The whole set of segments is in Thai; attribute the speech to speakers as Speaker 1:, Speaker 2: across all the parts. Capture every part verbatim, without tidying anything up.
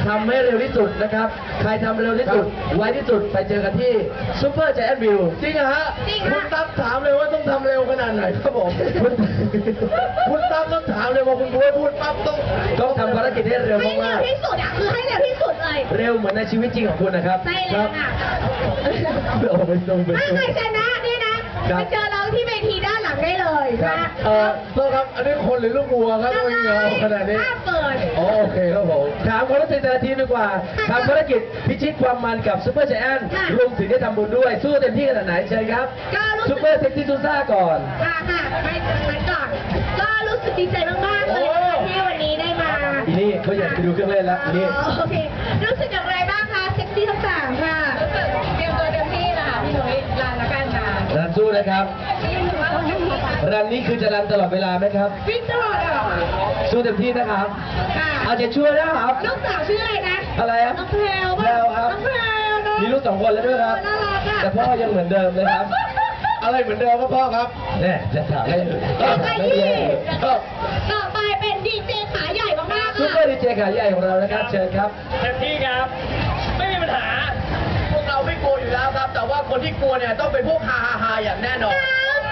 Speaker 1: ทำให้เร็วที่สุดนะครับใครทำเร็วที่สุดไวที่สุดไปเจอกันที่ซูเปอร์ใจแอนท์วิวจริงเหรอฮะคุณตั๊กถามเลยว่าต้องทำเร็วขนาดไหนครับผมคุณคุณตั๊กต้องถามเลยว่าคุณพูดพูดปั๊บต้องต้องทำภารกิจให้เร็ว
Speaker 2: ให้เร็
Speaker 1: มาว ก
Speaker 2: ที่สุดอ่ะคือให้เร็วที่สุดเลย
Speaker 1: ๆเร็วเหมือนในชีวิตจริงของคุณนะครับ
Speaker 2: ใช่แล้วค่ะ
Speaker 1: โอ้ไม่ต้องไม่
Speaker 2: ถ้า
Speaker 1: ต้อง
Speaker 2: ใครชนะเนี่ยนะไปเจอเราที่เวทีด้านหลังได้เลยนะ
Speaker 1: เออโทษครับอันนี้คนหรือลูกวัวครับไม่เงาขนาดนี้
Speaker 2: ถ้าเปิด
Speaker 1: โอเคครับผมถามความรู้สึกแต่ละทีมดีกว่าทำภารกิจพิชิตความมันกับซูเปอร์ใจแอนท์รวมถึงได้ทำบุญด้วยสู้เต็มที่ขนาดไหนเชิญครับซูเปอร์เซ็กซี่ซูซ่าก่อน
Speaker 2: ค่ะค่ะไปมันก่อน ก็รู้สึกดีใจมากๆเลยนะคะที่วันนี้ได้มา
Speaker 1: อีนี่เขาอยากไปดูเครื่องเล่นแล้วอีนี่
Speaker 2: โอเครู้สึกอย่างไรบ้างคะเซ็กซี่ทั้งสามค่ะรู้สึกเตรียมตัวเต็มที่นะคะพี่หนุ่ยลานละกันนะ
Speaker 1: รันสู้นะครับ
Speaker 2: รู้สึกว่าต้องวิ่ง
Speaker 1: รันนี้คือจะรันตลอดเวลาไหมครับ
Speaker 2: วิ่งตลอดอ่ะ
Speaker 1: สู้เต็มที่นะครับ
Speaker 2: ค่ะ
Speaker 1: เอาใจช่วยนะครับ
Speaker 2: ลูกสาวชื่ออะไรนะ
Speaker 1: อะไรครับ
Speaker 2: น้องแพรว
Speaker 1: แพรวครับ
Speaker 2: น้องแพรวเนอะ
Speaker 1: มีลูกสองคนแล้วด้วยครับ
Speaker 2: น่ารักอ่ะ
Speaker 1: แต่พ่อยังเหมือนเดิมเลยครับ อะไรเหมือนเดิมครับพ่อครับเนี่ยจะถามให้
Speaker 2: ไปที่ต่อไปเป็นดีเจขาใหญ่มากๆ
Speaker 1: ซู
Speaker 2: ค่ะ
Speaker 1: เปอร์ดีเจขาใหญ่ของเรานะครับเชิญครับ
Speaker 3: เต็มที่ครับ ไม่มีปัญหา พวกเราไม่กลัวอยู่แล้วครับ แต่ว่าคนที่กลัวเนี่ยต้องเป็นพวกฮาฮาฮาอย่างแน่นอน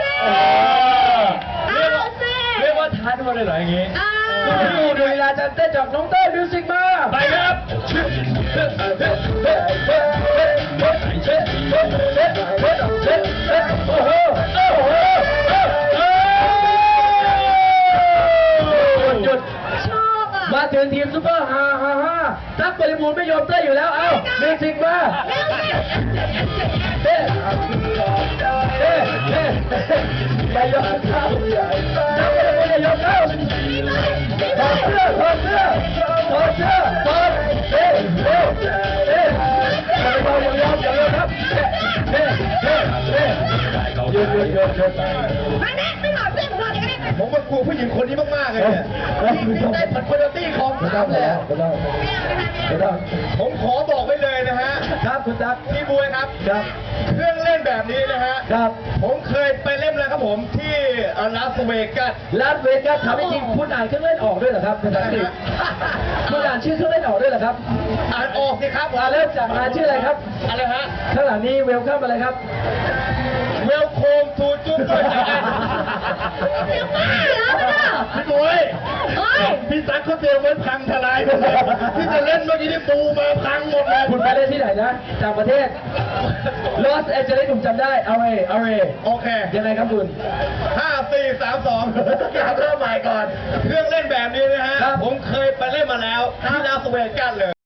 Speaker 2: เอาสิ
Speaker 3: เรียกว่า
Speaker 2: เอาสิ
Speaker 3: เรียกว่าท้าทวนเลยเหรออย่างงี้
Speaker 2: เอา
Speaker 1: ดูดูเวลาจันเต้นจากน้องเต้ยมิวสิกมา
Speaker 3: ไปครับ
Speaker 1: โอ้โหโอ้โหหยุด
Speaker 2: ชอบอ่ะ
Speaker 1: มาถึงทีมซุปเปอร์ฮ่าฮ่าฮ่าตั๊กบริบูรณ์ไม่ยอมเต้นอยู่แล้วเอ้ามิวสิกมา
Speaker 2: เร็วสิ
Speaker 1: เต้เต้เต้ไม่ยอมเข้าตั๊กบริบูรณ์ไม่ยอมเข้าถอดเสื้อถอดเสื้อถอดเสื้อถอดเต้เต้เต้ไม่ยอมยอมยอมยอมครับเต้เต้เต้หยุดหยุดหยุดหยุด
Speaker 2: มาแน่ไม่ถอดเสื้อของเราเดี๋ยวก็ได้
Speaker 3: ผมว่ากลัวผู้หญิงคนนี้มากๆเลยเนี่ยได้ผลคุณภาพของ
Speaker 1: ไม่
Speaker 3: สา
Speaker 1: ต้อ
Speaker 3: ม
Speaker 1: ง
Speaker 3: เลย
Speaker 1: แล้ว
Speaker 3: อะ
Speaker 1: ไม่ต้อง
Speaker 2: ไม่เอานะคะ
Speaker 1: ไม่ต้อง
Speaker 3: ผมขอบอกไว้เลยนะฮะ
Speaker 1: ครับคุณตั๊ก
Speaker 3: พี่บวยครับ
Speaker 1: ครับ
Speaker 3: เครื่องเล่นแบบนี้นะฮะ
Speaker 1: ครับ
Speaker 3: ผมเคยไปเล่นแล้วครับผมที่ลาสเวกัส
Speaker 1: ลาสเวกัสถามจริงคุณอ่านเครื่องเล่นออกด้วยเหรอครับภาษาอังกฤษคุณอ่านชื่อเครื่องเล่นออกด้วยเหรอครับ
Speaker 3: อ่านออกสิครับ
Speaker 1: อ่านแล้วจากงานชื่ออะไรครับ
Speaker 3: อะไรฮะ
Speaker 1: ข้างหลังนี้เวลคัมอะไรครับ
Speaker 3: เวลโคมทูจุ๊บด้วยนะ
Speaker 2: เดี๋ยวมาแล้วนะ
Speaker 3: พี่บวย
Speaker 2: เฮ้ย
Speaker 3: พี่ตั๊กเขาเตรียมไว้พังทลายหมดเลยที่จะเล่นเมื่อกี้ที่ปูมาพังหมดเลย
Speaker 1: คุณไปเล่นที่ไหนนะจากประเทศลอสแอนเจลิสผมจำได้เอาเอเอาเอ
Speaker 3: โอเค
Speaker 1: ยังไงครับคุณ
Speaker 3: ห้าสี่สามสองอยากเริ่มใหม่ก่อน เครื่องเล่นแบบนี้นะฮะ
Speaker 1: ครับ
Speaker 3: ผมเคยไปเล่นมาแล้วที่ลาสเวกัสเลย